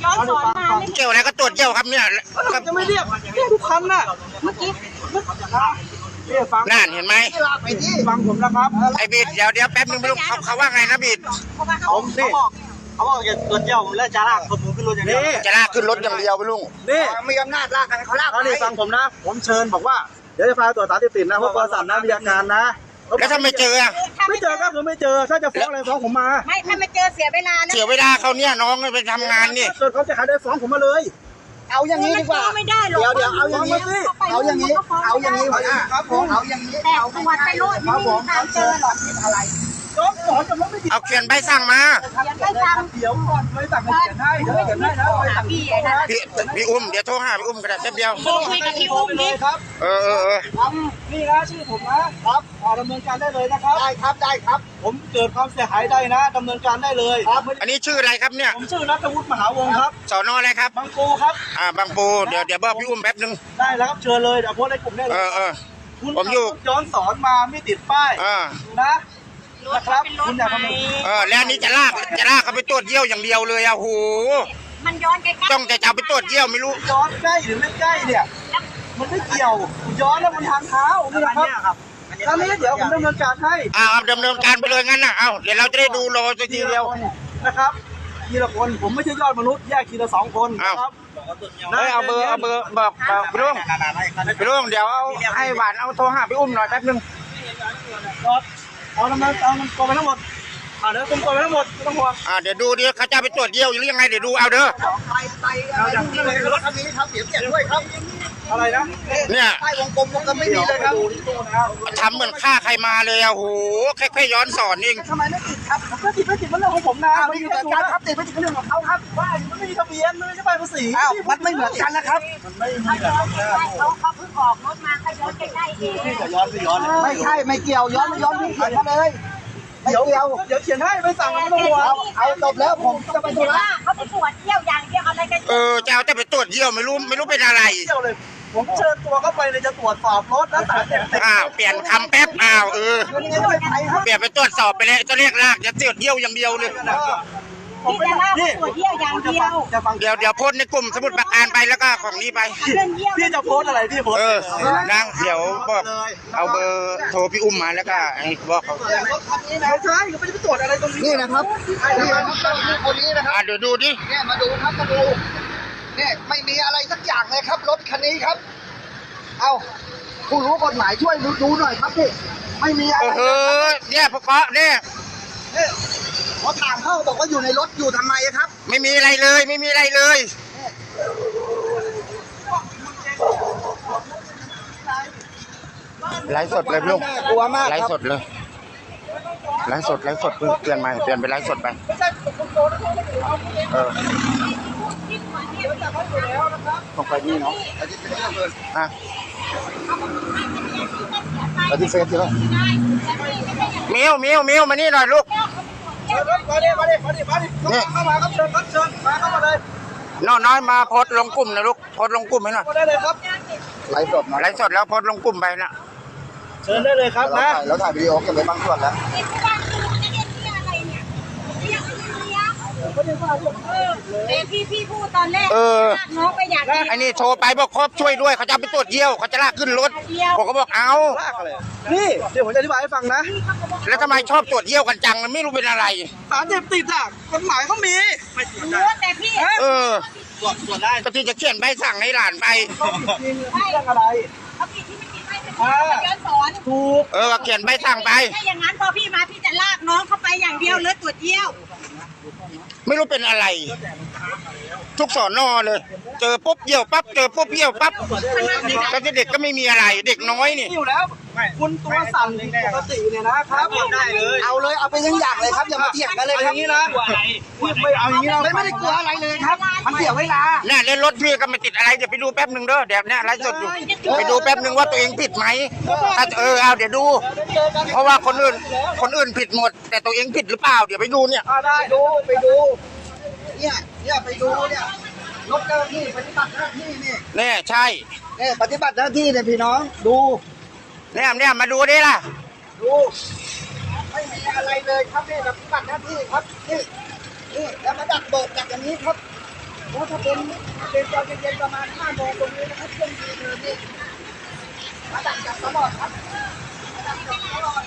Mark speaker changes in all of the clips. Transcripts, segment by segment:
Speaker 1: ย้อนสอนมาไม่
Speaker 2: เกี่ยวอะไรก็ตรวจเยี่ยวครับเนี่ย
Speaker 3: จะไม่เรียกทุกคันน่ะ
Speaker 1: เมื่อกี้
Speaker 3: นี่ฟัง
Speaker 2: นั่นเห็นไหม
Speaker 3: ฟังผมนะครับ
Speaker 2: ไอ้บีดเดี๋ยวแป๊บนึงไม่รู้เขาว่าไงนะบีด
Speaker 1: เพราะว่าเขา
Speaker 3: ผมนี่
Speaker 4: เขาบอกจะตรวจเยี่ยวและจะลากผมขึ้นรถอย่างเดียว
Speaker 2: จะลากขึ้นรถอย่างเดียวไปลุง
Speaker 3: นี่
Speaker 4: มีอำนาจลากกันเขาลาก
Speaker 3: นี่ฟังผมนะ ผมเชิญบอกว่าเดี๋ยวจะพาตรวจสารเสพติดนะเพราะประสานนะมีอาการนะ
Speaker 2: แล้วถ้าไม่เจออะ
Speaker 3: ไม่เจอก็คือไม่เจอถ้าจะฟ้องอะไรฟ้องผมมา
Speaker 1: ไม่ถ้าไม่เจอเสียเวลานะ
Speaker 2: เสียเวลาเขาเนี่ยน้องไปทำงานนี่
Speaker 3: เกิดเขาจะขายได้ฟ้องผมมาเลย
Speaker 4: เอาอย่างนี้ดีกว่า
Speaker 1: ไม่ได้หรอก
Speaker 4: เดี๋ยวเอาอย่างนี้เอาอย่างนี้หัวหน้าครับผมเอาอย่างนี้
Speaker 1: แต่ตรวจไปโลดไม่มีทางเจอหรอก
Speaker 4: อะไร
Speaker 3: ย้อนสอนจะไม่ผิด
Speaker 2: เอาเขียนใบสั่งมา
Speaker 1: ยังไม่ทำ
Speaker 3: เดี๋ยวก่อนไม่สั่งให้เขียนให้เดี๋ยวเขียนให้นะไปสั่ง
Speaker 1: พี่นะ
Speaker 2: พี่อุ้มเดี๋ยวโทรหาพี่อุ้มก็ได้แป๊บเดียว
Speaker 1: โทรคุยกับพี่อุ้ม
Speaker 3: เล
Speaker 1: ดิ
Speaker 3: ยครับ
Speaker 2: เออ
Speaker 3: นี่นะชื่อผมนะครับดำเนินการได้เลยนะครับ
Speaker 4: ได้ครับได้ครับ
Speaker 3: ผมเกิดความเสียหายได้นะดำเนินการได้เลย
Speaker 2: อันนี้ชื่ออะไรครับเนี่ย
Speaker 3: ผมชื่อนัทวุฒิมหาวงศ์ครับ
Speaker 2: สอนออะไรครับ
Speaker 3: บางปูครับ
Speaker 2: บางปูเดี๋ยวบอกพี่อุ้มแป๊บนึง
Speaker 3: ได้แล้วครับเชิญเลยเดี๋ยวโพสต์ในกลุ่มได้เลย คุณ
Speaker 2: ผมอยู่
Speaker 3: ขับรถย้อนสอนมาไม่ติดป้าย นะนะครับคุณอยากทำอะไร
Speaker 2: แล้วอันนี้จะลากเขาไปตรวจเยี่ยวอย่างเดียวเลยอะโห
Speaker 1: มันย้อนใกล้ๆ
Speaker 2: ต้องจะเอาไปตรวจเยี่ยวไม่รู้
Speaker 3: ย้อนใกล้หรือไม่ใกล้เนี่ยมันไม่เกี่ยวย้อนแล้วมันทางเท้านี่นะครับครั้งนี้เดี๋ยวผมดำเนินการให้
Speaker 2: เอาดำเนินการไปเลยงั้นนะเอาเดี๋ยวเราจะได้ดูรอสักทีเดียว
Speaker 3: นะครับทีละคนผมไม่ใช่ยอดมนุษย์แยกทีละ2 คนนะครับ
Speaker 2: เอาเบอร์บอกพี่ลุงเดี๋ยวเอาให้หวานเอาโทรหาพี่อุ้มหน่อยแป๊บนึง
Speaker 3: เอาดำเนินเอามันกองไปทั้งหมดเดี๋ยวผมกองไปทั้งหมดไม่ต้องห่วง
Speaker 2: เดี๋ยวดูดิเขาจะไปตรวจเยี่ยวหรือยังไงเดี๋ยวดูเอาเด้อ
Speaker 4: ไปรถคันนี้ครับเสียเปรียบด้วยครับ
Speaker 3: อะไรนะ
Speaker 2: เนี่ย
Speaker 4: ใต้วงกลมไม่มีเลยครับ
Speaker 2: ทำเหมือนฆ่าใครมาเลยอะโหแค่ย้อนสอนเอง
Speaker 4: ทำไมไม่ติดครับ
Speaker 3: ก็ติดไม่ติดมันเรื่องของผมนะ
Speaker 4: ไม่อยู่กับการครับติดไม่ติดเรื่องของเขาครับ
Speaker 3: ว่ามันไม่มีทะเบียนมันไม่ใช่ใบภาษี
Speaker 4: มันไม่เหมือนกันนะครับ
Speaker 3: มันไม่มี
Speaker 1: เขาเพิ่งออกรถมาเขาย้อนใกล้ๆเอง
Speaker 3: พี่จะย้อนไม่ย้อน
Speaker 4: ไม่ใช่ไม่เกี่ยวย้อนที่เขียนมาเลยไม่เกี่ยว
Speaker 3: เดี๋ยวเขียนให้ไปสั่งไม่ต้องห่วง
Speaker 4: เอาจบแล้วผมจะไปธุระ
Speaker 1: เขาไปตรวจเที่ยวอย่างเดียวอะไรกัน
Speaker 2: จะเอาแต่ไปตรวจเยี่ยวไม่รู้เป็นอะไร
Speaker 3: เที่ยวเลยผมเชิญตัวเข้าไปเลยจะตรวจสอบรถแล้วสารเสพติด
Speaker 2: เปลี่ยนคำแป๊บเปลี่ยนไปตรวจสอบไปแล้วจะเรียกลากจะตรวจเยี่ยวอย่างเดียวเลย
Speaker 1: พี่จะลากตรวจเที่ยวอย่างเดียว
Speaker 2: เดี๋ยวโพสในกลุ่มสมุดประการไปแล้วก็ของนี้ไป
Speaker 1: เรื่องเยี่ยว
Speaker 3: พี่จะโพสอะไรพี่โพส
Speaker 2: นั่งเดี๋ยวบอกเอาเบอร์โทรพี่อุ้มมาแล้วก็บอกเขา
Speaker 3: ไม่ใช่เขาไม่ได้ไปตรวจอะไรตรงนี้
Speaker 4: นี่นะครับนี่นะครับคนนี้นะครับ
Speaker 2: เดี๋ยวดูดิ
Speaker 4: เนี่ยมาดูครับมาดูเนี่ยไม่มีอะไรสักอย่างเลยครับรถคันนี้ครับ เอาผู้รู้กฎหมายช่วยดูหน่อยครับพี่ไม่มีอะไร
Speaker 2: เนี่ยพวกเขาเนี่ย
Speaker 4: พอถามเข้าบอกว่าอยู่ในรถอยู่ทำไมครับ
Speaker 2: ไม่มีอะไรเลยไม่มีอะไรเลยไลฟ์สดเลยพี่ลุง
Speaker 4: กลัวมาก
Speaker 2: ไล
Speaker 4: ครั
Speaker 2: ฟ์ส
Speaker 4: บ
Speaker 2: ดเลยไลฟ์สดเพิ่งเปลี่ยนไปไลฟ์สดไป
Speaker 4: ต้องไปนี่เนาะไปที่เฟซใช่ไหม
Speaker 2: มิวมานี่หน่อยลูก
Speaker 3: มาดิเข้ามาครับเชิญมาเข้ามาเลย
Speaker 2: น้อยมาโพสลงกลุ่มนะลูกโพสลงกลุ่มให้หน่อย
Speaker 3: มาได้เลยครับ
Speaker 4: ไลฟ์สดนะ
Speaker 2: ไลฟ์สดแล้วโพสลงกลุ่มไปนะ
Speaker 3: เชิญได้เลยครับนะ
Speaker 4: แล้วถ่ายวิดีโอเก็บไว้บางส่วนแล้ว
Speaker 1: แต่พี่พูดตอนแรกน้องไปอยาก
Speaker 2: ไอ้นี่โทรไปบอกครบช่วยด้วยเขาจะไปตรวจเยี่ยวเขาจะลากขึ้นรถผมก็บอกเอา
Speaker 3: นี่เดี๋ยวผมจะอธิบายให้ฟังนะ
Speaker 2: แล้วทำไมชอบตรวจเยี่ยวกันจังไม่รู้เป็นอะไร
Speaker 3: สารเสพติดกฎหมายเขามี
Speaker 1: รู้แต่พี่
Speaker 3: ตรวจได้
Speaker 2: ก็ที่จะเขียนใบสั่งให้หลานไป
Speaker 3: จริงเรื่องอะไร
Speaker 1: เขาผิดที่ไม่ผิดไม่เป็นย้อนสอน
Speaker 3: ถูก
Speaker 2: ก็เขียนใบสั่งไป
Speaker 1: ถ้าอย่างนั้นพอพี่มาพี่จะลากน้องเข้าไปอย่างเดียวเลยตรวจเยี่ยว
Speaker 2: ไม่รู้เป็นอะไร ทุกสอนอเลย เจอปุ๊บเยี่ยวปั๊บเจอปุ๊บเยี่ยวปั๊บแต่เด็กก็ไม่มีอะไรเด็กน้อยนี่
Speaker 3: อยู่แล้วคุณตัวสั่นปกติเนี่ยนะครับได้เลย
Speaker 4: เอาเลยเอาไปทั้งอย่างเลยครับอย่ามาเถียงกันเลย
Speaker 3: อ
Speaker 4: ครับ
Speaker 3: ย่างนี้นะพี่ไม่เอาอย่างนี้เรา
Speaker 4: ไม่ได้กลัวอะไรเลยครับ มันเสียเวลา
Speaker 2: เนี่ยเล่นรถพี่ก็ไม่ติดอะไรเดี๋ยวไปดูแป๊บหนึ่งเด้อเดี๋ยวเนี่ยไลฟ์สดอยู่ไปดูแป๊บหนึ่งว่าตัวเองผิดไหมถ้าเอาเดี๋ยวดู เพราะว่าคนอื่นผิดหมด แต่ตัวเองผิดหรือเปล่าเดี๋ยวไปดูเนี่ย
Speaker 3: ได้ดู
Speaker 4: ไปดูเนี่ยไปดูเนี่ยรถเจ้าหน้าที่ปฏิบัติหน้าที่นี่
Speaker 2: เนี่ยใช่
Speaker 4: เนี่ยปฏิบัติหน้าที่เนี่ยพี่น้องดู
Speaker 2: เนี่ยมาดูดิล่ะ
Speaker 4: ดูไม่มีอะไรเลยครับนี่ปฏิบัติหน้าที่ครับนี่แล้วมาดักเบิกดักอย่างนี้ครับ
Speaker 3: เพราะถ้าเป็นตอนเย็นๆประมาณ5 โมงตรงนี้นะครับเครื่องดีเลยนี่มาดักจับตลอดครับมาดักจับตลอด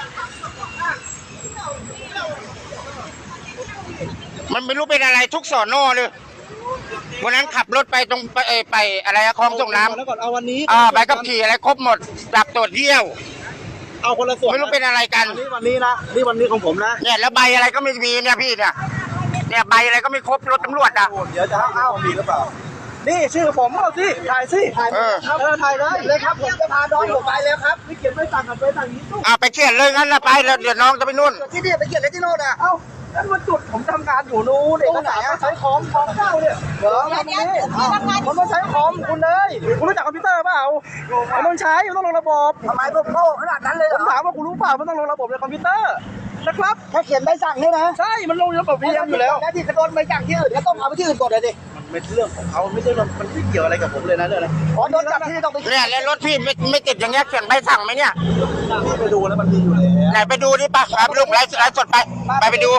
Speaker 2: มันไม่รู้เป็นอะไรทุกสอนอเลยวันนั้นขับรถไปตรงไปอะไรคลองส่งน้ำ
Speaker 3: แล้วก่อนเอาวันนี้
Speaker 2: ใบขับขี่อะไรครบหมดจับตรวจเยี่ยว
Speaker 3: เอาคนละส่วน
Speaker 2: ไม่รู้เป็นอะไรกัน
Speaker 3: วันนี้นะนี่วันนี้ของผมนะ
Speaker 2: เนี่ยแล้วใบอะไรก็ไม่มีเนี่ยพี่เนี่ยใบอะไรก็ไม่ครบรถตำรวจอ่ะ
Speaker 3: เดี๋ยวจะให้มีหรือเปล่านี่ชื่อผมเอาสิถ่ายสิถ่ายถ่ายเลยครับผมจะพาน้องผมไปแล้วครับนี่เขียนใบสั่งกันไปสั่งนี้ตู้
Speaker 2: ไปเขียนเลยงั้นนะไปแล้วเดี๋ยวน้องจะไปนู่น
Speaker 3: ที่นี่ไปเขียนอะไรที่โน่นอ่ะเอ้านั่นมันจุดผมทำงานอยู่นู้นเด็กไหนใช้คอมเก้าเนี่ยเดี๋ยวทำนี้มันต้องใช้คอมคุณเลยคุณรู้จักคอมพิวเตอร์เปล่ามันต้องใช้มันต้องลงระบบทำไมผมโง่ขนาดนั้นเลยผมถามว่าคุณรู้เปล่ามันต้องลงระบบในคอมพิวเตอร์นะครับแค่เขียนใบสั่งนี่นะใช่มันลงระบบพีเอ็มอยู่แล้วแล้วที่กระโดดใบสั่งที่อื่นก็ต้องเอาไปที่อื่นก่อนเลยดิมันเป็นเรื่องของเขาไม่ใช่มันไม่เกี่ยวอะไรกับผมเลยนะเรื่องอะไรขอโดนจับที่ต้องไป
Speaker 2: เนี่ยแล้วรถพี่ไม่ติดอย่างเงี้ยเขียนใบสั่งไหมเนี่ย
Speaker 3: พี่ไปดูแล้วมันมีอยู่แล้ว
Speaker 2: ไหนไปดูดิป่ะไปลูกไลฟ์สดไปดู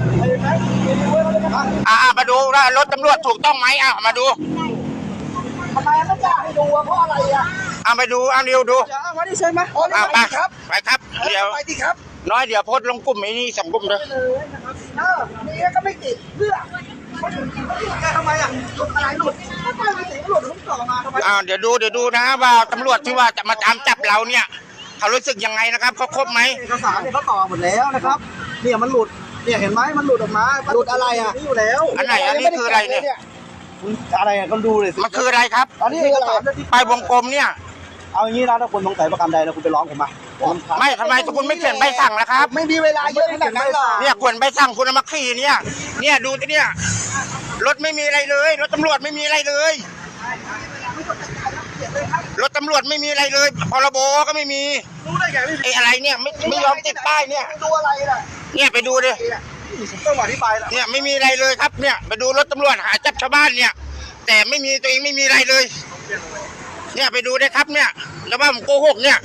Speaker 2: มาดูว่ารถตำรวจถูกต้องไหมมาดู
Speaker 3: ทำไมไม่กล้าให้ดูเพราะอะไรอ่ะ
Speaker 2: ไปดูเร็วดู
Speaker 3: จะเอามาดิเชิญมา
Speaker 2: ไปครับเดี๋ยว
Speaker 3: ไปดิครับ
Speaker 2: น้อยเดี๋ยวโพสต์ลงกลุ่มไอ้นี่2 กลุ่มเลย
Speaker 3: นี่ก็ไม่ติดเพื่อทำไมอ่ะหลุดอะไรหลุดไม่ไปติดหลุดผมต่อมาทำไม
Speaker 2: เดี๋ยวดูนะว่าตำรวจที่ว่าจะมาตามจับเราเนี่ยเขารู้สึกยังไงนะครับเขาครบไหม
Speaker 3: เอกสารเนี่ยเขาต่อหมดแล้วนะครับเนี่ยมันหลุดเนี่ยเห็นไหมมันหลุดออกมาหลุดอะไรอ่ะนี่อยู่แล้ว
Speaker 2: อันไหนอันนี้คืออะไรเนี่ย
Speaker 3: อะไรอ่ะก็ดูเลยสิ
Speaker 2: มันคืออะไรครับ
Speaker 3: อันนี้เอกสาร
Speaker 2: ไปวงกลมเนี่ย
Speaker 3: เอาอย่างนี้นะถ้าคุณสงสัยประกันใดนะคุณไปร้องผมมา
Speaker 2: ไม่ทำไมคุณไม่เขียนใบสั่งล่ะครับ
Speaker 3: ไม่มีเวลาเยอะขนาดนั้นหรอก
Speaker 2: เนี่ยควรใบสั่งคุณเอามาขี่เนี่ยดูที่เนี่ยรถไม่มีอะไรเลยรถตำรวจไม่มีอะไรเลยรถตำรวจไม่มีอะไรเลยพรบก็ไม่มี
Speaker 3: รู้ได้ไงไม่
Speaker 2: ไอ้อะไรเนี่ยไม่ยอมติดป้ายเนี่ย
Speaker 3: ดูอะไรล่ะ
Speaker 2: เนี่ยไปดูดิ
Speaker 3: ต้องอธิบายละ
Speaker 2: เนี่ยไม่มีอะไรเลยครับเนี่ยไปดูรถตำรวจหาจับชาวบ้านเนี่ย แต่ไม่มีตัวเองไม่มีอะไรเลย เนี่ยไปดูได้ครับเนี่ยแล้วว่าผมโกหกเนี่ย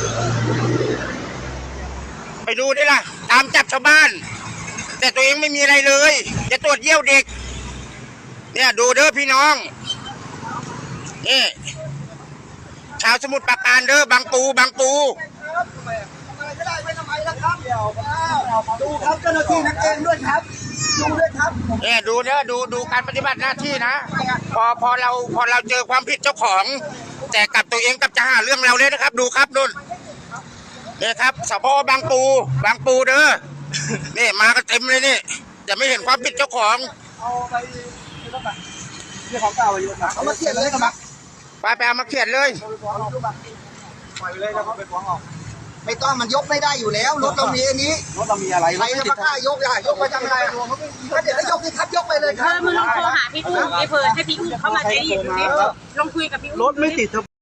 Speaker 2: ไปดูได้ล่ะตามจับชาวบ้าน แต่ตัวเองไม่มีอะไรเลยจะตรวจเยี่ยวเด็กเนี่ยดูเด้อพี่น้องนี่ชาวสมุทรปราการเด้อบางปู
Speaker 3: ทำอะไรก็ได้ไม่ทำไมนะครับเดี๋ยวดูครับเจ้าหน้าที่นักเองด้วยครับดูด้วยครับ
Speaker 2: เนี่ยดูเด้อดูการปฏิบัติหน้าที่นะพอเราเจอความผิดเจ้าของ แต่กับตัวเองกับจะหาเรื่องเราเลยนะครับดูครับนู่นเนี่ยครับสพบางปูเด้อนี่มากันเต็มเลยนี่แต่ไม่เห็นความผิดเจ้าของ
Speaker 3: เอาไปนี่ต้องไปนี่ของเก่าอยู่นะเอามาเขียนเลยครับ
Speaker 2: ไปเอามาเขียนเลย
Speaker 3: ปล่อยไปเลยแล้วก็ไปฟ้องเอา
Speaker 4: ไม่ต้องมันยกไม่ได้อยู่แล้วรถเรามีอันนี้
Speaker 3: รถเรามีอะไร
Speaker 4: ใครจะมากล้ายกอ่ะยกไปทำอะไรก็เดี๋ยวให้ยกสิครับยกไปเลยค
Speaker 1: เธ
Speaker 4: รับ
Speaker 1: อมึงลองโทรหาพี่อุ้มไอ้เพิร์ดให้พี่อุ้มเข้ามาใช้ดิลองคุยกับพี่อุ้ม
Speaker 3: รถไม่ติด